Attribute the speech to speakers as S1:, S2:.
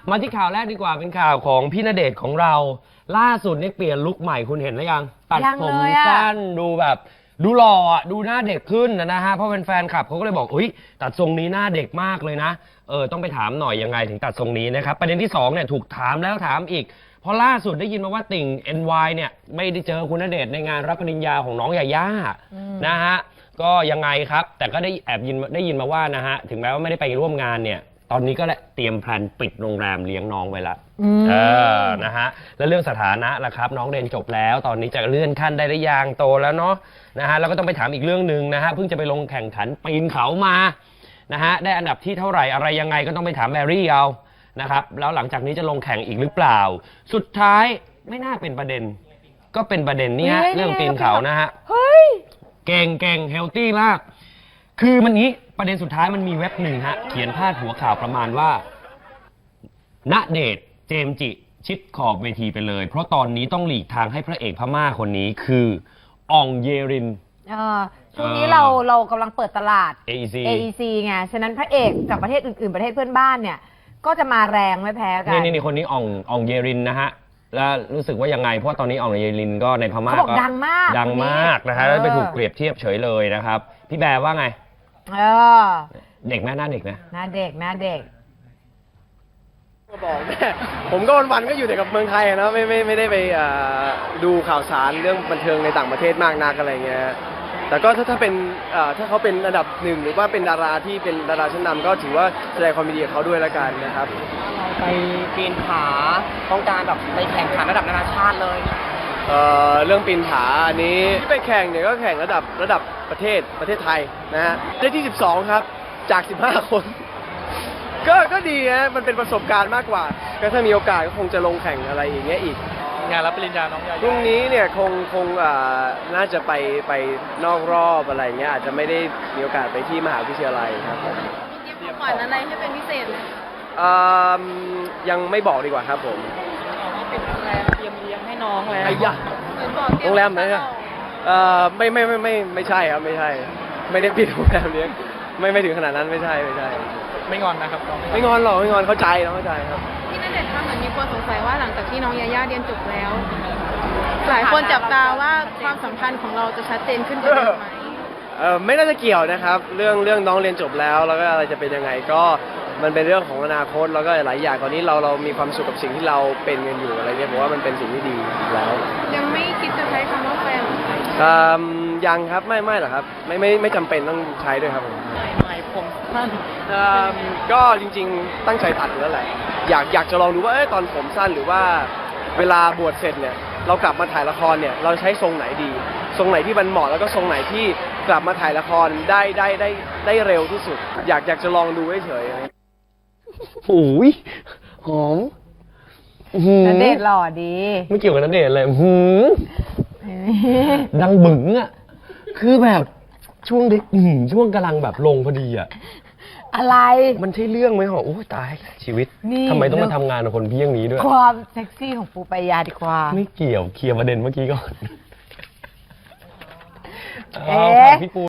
S1: มาที่ข่าวแรกดีกว่าเป็นข่าวของพี่ณเดชน์ของเราล่าสุดนี่เปลี่ยนลุคใหม่คุณเห็นหรือยังตัดผมสั้นดูแบบดูหล่อดูหน้าเด็กขึ้นนะฮะเพราะเป็นแฟนคลับเขาก็เลยบอกอุ้ยตัดทรงนี้หน้าเด็กมากเลยนะต้องไปถามหน่อยยังไงถึงตัดทรงนี้นะครับประเด็นที่2เนี่ยถูกถามแล้วถามอีกเพราะล่าสุดได้ยินมาว่าติ่ง NY เนี่ยไม่ได้เจอคุณณเดชน์ในงานรับปริญญาของน้องยาย่านะฮะก็ยังไงครับแต่ก็ได้แอบได้ยินมาว่านะฮะถึงแม้ว่าไม่ได้ไปร่วมงานเนี่ยตอนนี้ก็เตรียมแพลนปิดโรงแรมเลี้ยงน้องไว้ละนะฮะแล้วเรื่องสถานะล่ะครับน้องเรียนจบแล้วตอนนี้จะเลื่อนขั้นได้หรือยังโตแล้วเนาะนะฮะแล้วก็ต้องไปถามอีกเรื่องหนึ่งนะฮะเพิ่งจะไปลงแข่งขันปีนเขามานะฮะได้อันดับที่เท่าไหร่อะไรยังไงก็ต้องไปถามแบรี่เอานะครับแล้วหลังจากนี้จะลงแข่งอีกหรือเปล่าสุดท้ายไม่น่าเป็นประเด็นก็เป็นประเด็นนี้ฮะเรื่องปีนเขานะฮะเก่งเฮลตี้มากคือมันนี้ประเด็นสุดท้ายมันมีเว็บหนึ่งฮะเขียนพาดหัวข่าวประมาณว่าณเดชน์เจมส์จิชิดขอบเวทีไปเลยเพราะตอนนี้ต้องหลีกทางให้พระเอกพม่าคนนี้คืออ่องเยริน
S2: ช่วงนี้เรากำลังเปิดตลาด
S1: AEC
S2: ไงฉะนั้นพระเอกจากประเทศอื่นๆประเทศเพื่อนบ้านเนี่ยก็จะมาแรงไม่แพ้กัน
S1: นี่คนนี้อ่องเยรินนะฮะแล้วรู้สึกว่ายังไงเพราะตอนนี้อ่องเยรินก็ในพม่าก็
S2: ดังมาก
S1: นะฮะแล้วไปถูกเปรียบเทียบเฉยเลยนะครับพี่แบร์ว่าไงเด็กไหมหน้าเด็กนะ
S2: หน้าเด็ก
S3: ก็บอกแม่ผมก็วันๆก็อยู่แต่กับเมืองไทยนะไม่ได้ไปดูข่าวสารเรื่องบันเทิงในต่างประเทศมากนักอะไรเงี้ยแต่ก็ถ้าเป็นถ้าเขาเป็นอันดับหนึ่งหรือว่าเป็นดาราที่เป็นดาราชั้นนำก็ถือว่าแสดงความยินดีกับเขาด้วยแล้วกันนะครับ
S4: เราไปปีนผาต้องการแบบไปแข่งขันระดับนานาชาติเลย
S3: เรื่องปีนผาอันนี้ที่ไปแข่งเนี่ยก็แข่งระดับประเทศไทยนะฮะได้ที่12ครับจาก15คนก็ดีนะมันเป็นประสบการณ์มากกว่าก็ถ้ามีโอกาสก็คงจะลงแข่งอะไรอย่างเงี้ยอีก
S4: งานรับปริญญาน้องยาย่า
S3: พรุ่งนี้เนี่ยคงน่าจะไปนอกรอบอะไรเงี้ยอาจจะไม่ได้มีโอกาสไปที่มหาวิทยาลัยครับ
S5: มีของขวัญอะไรให้เป็นพิเศษไหม
S3: ยังไม่บอกดีกว่าครับผม
S4: เป็นโรงแรมเตรียมเลี้ยงให้น้องแล้ว
S3: ไอ้ยะโรงแรมไหนอะไม่ใช่ครับไม่ใช่ไม่ได้ปิดโรงแรมเลี้ยงไม่ถึงขนาดนั้นไม่ใช่
S4: ไม่งอนนะครับ
S3: ไม่งอนหรอกไม่งอนเข้าใจครับ
S5: พี่ณเดชน์คะเหมือนมีคนสงสัยว่าหลังจากที่น้องยาย่าเรียนจบแล้วหลายคนจับตาว่าความสัมพันธ์ของเราจะชัดเจนขึ้นกว่าเดิมไหม
S3: ไม่น่าจะเกี่ยวนะครับเรื่องน้องเรียนจบแล้วก็อะไรจะเป็นยังไงก็มันเป็นเรื่องของอนาคตแล้วก็หลายอย่างตอนนี้เรามีความสุขกับสิ่งที่เราเป็นกันอยู่อะไรเงี้ยผมว่ามันเป็นสิ่งที่ดีแล้ว
S5: ยังไม่คิดจะใช้คำว่าแฟน
S3: ยังครับไม่หรอกครับไม่จำเป็นต้องใช้ด้วยครับ
S4: ผมสั้น
S3: ก็จริงๆตั้งใจตัดอยู่แล้วแหละอยากจะลองดูว่าตอนผมสั้นหรือว่าเวลาบวชเสร็จเนี่ยเรากลับมาถ่ายละครเนี่ยเราใช้ทรงไหนดีทรงไหนที่มันเหมาะแล้วก็ทรงไหนที่กลับมาถ่ายละครได้เร็วที่สุดอยากจะลองดูเฉย
S1: โอ้ยหอม
S2: ณเดชน์หล่อดี
S1: ไม่เกี่ยวกับณเดชน์เลยดังบึ๋งอ่ะคือแบบช่วงเด็กช่วงกำลังแบบลงพอดีอ่ะ
S2: อะไร
S1: มันใช่เรื่องไหมหรอโอ้ตายชีวิตทำไมต้องมาทำงานกับคนเพี้ยงนี้ด้วย
S2: ความเซ็กซี่ของปูปายาดีกว่า
S1: ไม่เกี่ยวเคลียร์ประเด็นเมื่อกี้ก่อนพี่ปู